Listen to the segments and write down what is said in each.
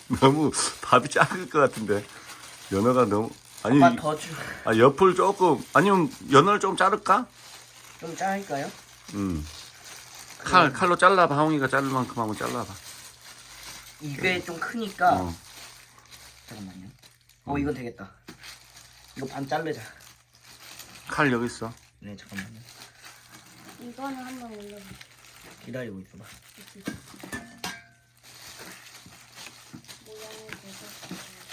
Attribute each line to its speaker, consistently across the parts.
Speaker 1: 너무 밥이 작을 것 같은데. 연어가 너무 아니.
Speaker 2: 아빠 더 주.
Speaker 1: 옆을 조금 아니면 연어를 좀 자를까?
Speaker 2: 좀 짜릴까요?
Speaker 1: 칼로 잘라봐. 하웅이가 자를 만큼 한번 잘라봐.
Speaker 2: 이게 좀 크니까.
Speaker 1: 어.
Speaker 2: 잠깐만요. 이거 되겠다. 이거 반 자르자.
Speaker 1: 칼 여기 있어.
Speaker 2: 네, 잠깐만요.
Speaker 3: 이거는 한번 올려봐.
Speaker 2: 기다리고 있어봐.
Speaker 3: 모양이 돼서.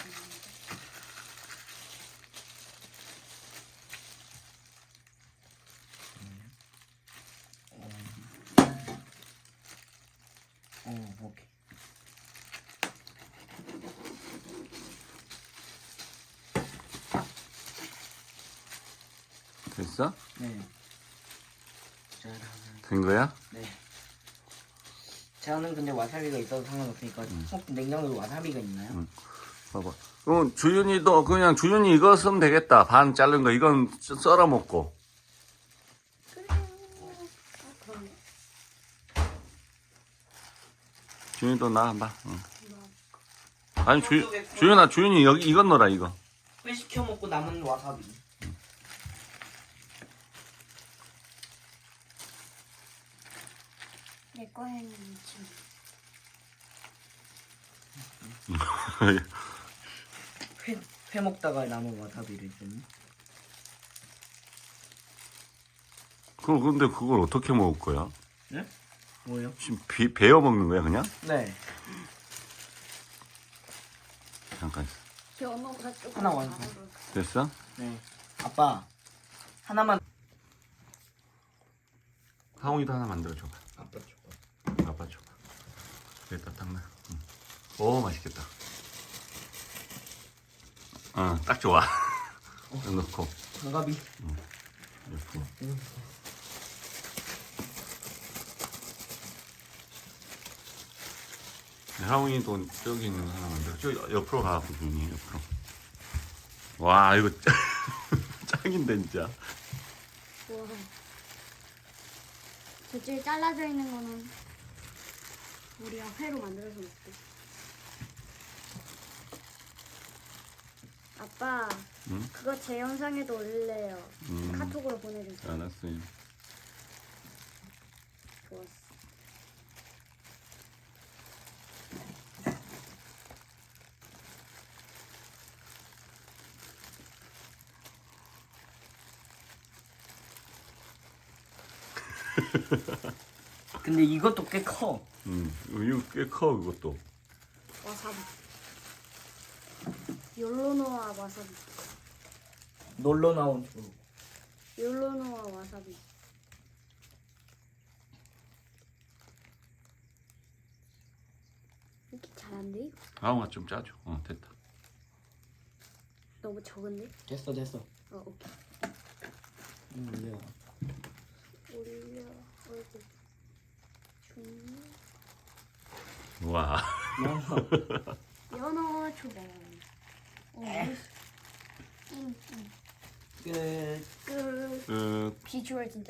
Speaker 2: 오케이.
Speaker 1: 됐어?
Speaker 2: 네. 짜란.
Speaker 1: 된 거야?
Speaker 2: 네. 저는 근데 와사비가 있어도 상관없으니까 혹시 냉장고에 와사비가 있나요?
Speaker 1: 봐봐. 그럼 주윤이도 그냥 주윤이 이거 쓰면 되겠다. 반 자른 거 이건 썰어 먹고.
Speaker 3: 그럼
Speaker 1: 주윤이도 나 봐. 응. 아니 주윤아 주윤이 여기 이건 넣어라 이거.
Speaker 2: 회 시켜 먹고 남은 와사비.
Speaker 3: 내 거에는 지금
Speaker 2: 회 먹다가 남은 와사비를 쓰니?
Speaker 1: 근데 그걸 어떻게 먹을 거야?
Speaker 2: 네? 뭐요?
Speaker 1: 지금 베어 먹는 거야 그냥?
Speaker 2: 네.
Speaker 1: 잠깐.
Speaker 3: 연어가 조금
Speaker 2: 하나 완성.
Speaker 3: 다르고.
Speaker 1: 됐어?
Speaker 2: 네. 아빠 하나만.
Speaker 1: 하웅이도 하나 만들어줘봐.
Speaker 2: 아빠 줘봐.
Speaker 1: 아빠 줘봐. 여기다 딱 놔. 응. 오 맛있겠다. 딱 좋아. 넣고
Speaker 2: 장갑이.
Speaker 1: 넣고. 하웅이도 저기 있는 거 하나 만들어. 저 옆으로 가고 눈이 옆으로. 와 이거 짱인데 진짜.
Speaker 3: 우와. 저쪽에 잘라져 있는 거는 우리가 회로 만들어서 먹고. 아빠,
Speaker 1: 응?
Speaker 3: 그거 제 영상에도 올릴래요.
Speaker 1: 음.
Speaker 3: 카톡으로 보내주세요.
Speaker 1: 알았어요.
Speaker 3: 좋았어.
Speaker 2: 근데 이것도 꽤 커.
Speaker 1: 이거 꽤 커 그것도.
Speaker 3: 와사비. 욜로노와 와사비.
Speaker 2: 놀러 나온 주.
Speaker 3: 욜로노와 와사비. 이렇게 잘한데 이거?
Speaker 1: 하웅아 좀 짜줘. 됐다.
Speaker 3: 너무 적은데?
Speaker 2: 됐어.
Speaker 3: 오케이.
Speaker 2: 올려.
Speaker 3: 올려 얼굴 중
Speaker 1: 와.
Speaker 3: 연어 초밥.
Speaker 2: 끝.
Speaker 3: 끝.
Speaker 1: 그
Speaker 3: 비주얼 진짜.